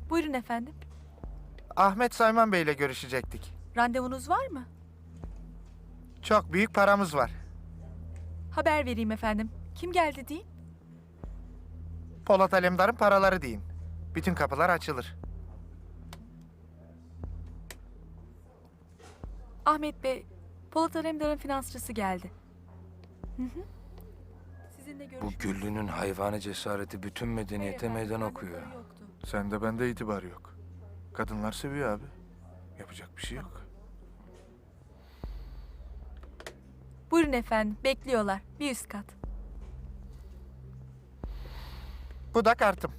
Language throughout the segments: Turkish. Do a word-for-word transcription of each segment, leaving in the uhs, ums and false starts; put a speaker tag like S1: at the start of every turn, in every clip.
S1: Buyurun efendim.
S2: Ahmet Sayman Bey'le görüşecektik.
S1: Randevunuz var mı?
S2: Çok büyük paramız var.
S1: Haber vereyim efendim. Kim geldi deyin.
S2: Polat Alemdar'ın paraları deyin. Bütün kapılar açılır.
S1: Ahmet Bey, Polat Alemdar'ın finansçısı geldi. Hı hı. Sizinle
S3: Bu
S1: görüşmek
S3: Güllü'nün hayvani cesareti bütün medeniyete
S1: Hayır efendim,
S3: meydan okuyor.
S1: randevuları yoktu.
S2: Sende bende itibar yok. Kadınlar seviyor abi. Yapacak bir şey yok.
S1: Buyurun efendim, bekliyorlar. Bir üst kat.
S2: Bu da kartım.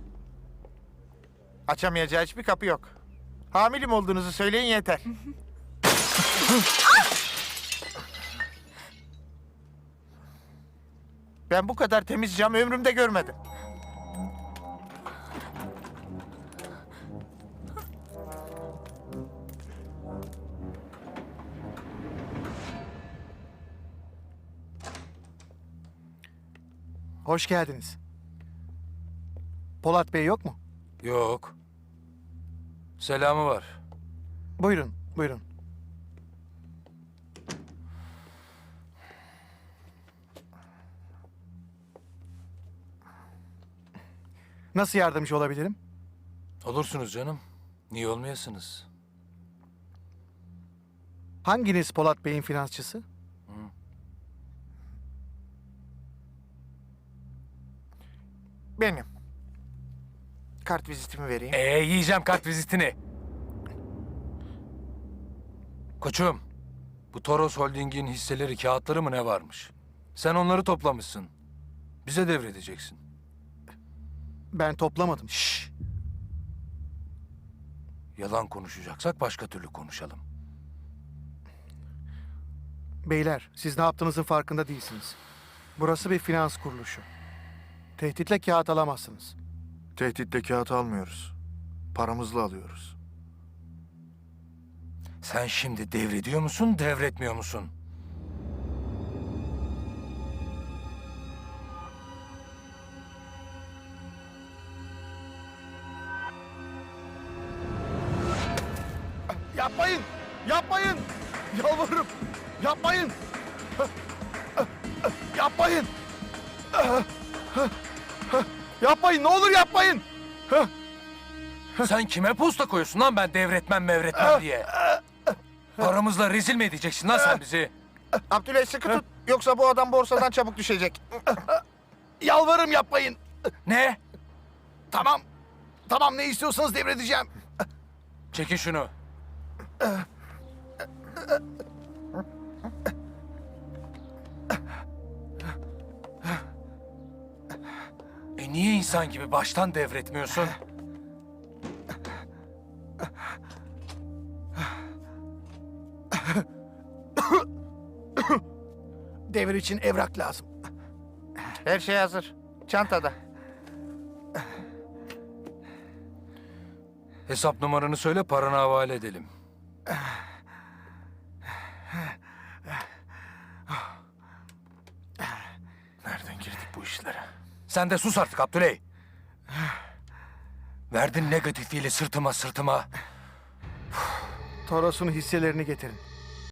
S2: Açamayacağı hiçbir kapı yok. Hamilim olduğunuzu söyleyin yeter. Ben bu kadar temiz cam ömrümde görmedim.
S4: Hoş geldiniz. Polat Bey yok mu?
S3: Yok. Selamı var.
S4: Buyurun, buyurun. Nasıl yardımcı olabilirim?
S3: Olursunuz canım. Niye olmayasınız?
S4: Hanginiz Polat Bey'in finansçısı?
S2: Benim. Kart vizitimi vereyim.
S3: Ee yiyeceğim kart vizitini. Koçum, bu Toros Holding'in hisseleri, kağıtları mı ne varmış? Sen onları toplamışsın. Bize devredeceksin.
S4: Ben toplamadım.
S3: Şşş. Yalan konuşacaksak başka türlü konuşalım.
S4: Beyler, siz ne yaptığınızın farkında değilsiniz. Burası bir finans kuruluşu. Tehditle kağıt alamazsınız.
S2: Tehditle kağıt almıyoruz. Paramızla alıyoruz.
S3: Sen şimdi devrediyor musun, devretmiyor musun?
S4: Yapmayın! Yapmayın! Yalvarırım! Yapmayın! Yapmayın! Yapmayın! Ne olur yapmayın!
S3: Sen kime posta koyuyorsun lan ben devretmem mevretmem diye? Paramızla rezil mi edeceksin lan sen bizi?
S2: Abdüley sıkı tut. Yoksa bu adam borsadan çabuk düşecek.
S4: Yalvarırım yapmayın!
S3: Ne?
S4: Tamam. Tamam ne istiyorsanız devredeceğim.
S3: Çekin şunu. E niye insan gibi baştan devretmiyorsun?
S4: Devir için evrak lazım.
S2: Her şey hazır. Çantada.
S3: Hesap numaranı söyle, paranı havale edelim.
S2: Nereden girdik bu işlere?
S3: Sen de sus artık Abdüley. Verdin negatifiyle sırtıma sırtıma.
S4: Toros'un hisselerini getirin.